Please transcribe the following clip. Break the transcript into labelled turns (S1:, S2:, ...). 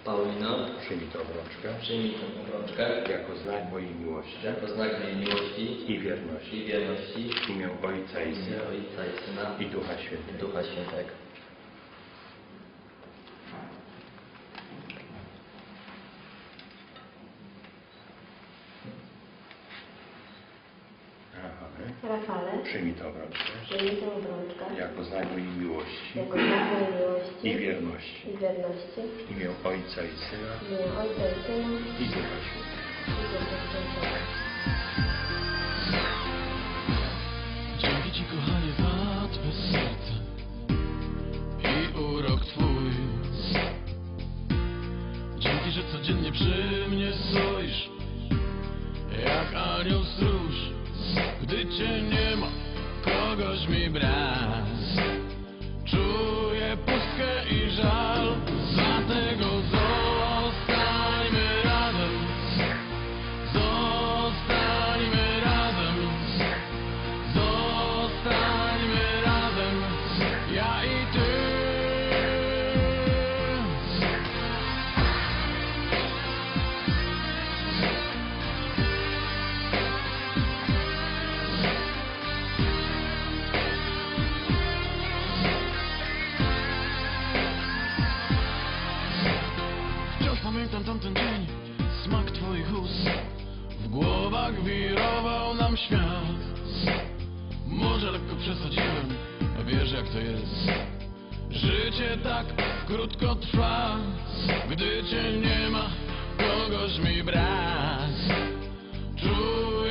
S1: Paulino,
S2: Przyjmij tę obrączkę
S1: przyjmij tę obrączkę
S2: jako znak mojej miłości
S1: jako znak mojej miłości
S2: i wierności
S1: i wierności
S2: w imię Ojca i
S1: w imię
S2: Syna
S1: Ojca i Syna
S2: i Ducha Świętego.
S1: Ducha Świętego.
S2: Rafale,
S3: Rafale,
S2: przyjmij tę obrączkę
S3: przyjmij tę obrączkę
S2: jako znak mojej miłości
S3: jako znak mojej miłości
S2: i wierności
S3: i wierności
S2: w imię Ojca i Syna
S3: w imię Ojca i Syna
S2: i Ducha Świętego.
S3: i Ducha Świętego.
S4: Dzięki Ci, kochanie, za Twe serce i urok Twój. Dzięki, że codziennie przy mnie stoisz jak anioł stróż. Gdy Cię nie ma, kogoś mi brak. Czuję pustkę i żal, dlatego zostańmy razem. Zostańmy razem. Zostańmy razem, ja i Ty. Wciąż pamiętam tamten dzień, smak Twoich ust. W głowach wirował nam świat. Może lekko przesadziłem, wiesz jak to jest. Życie tak krótko trwa. Gdy Cię nie ma, kogoś mi brak. Czuję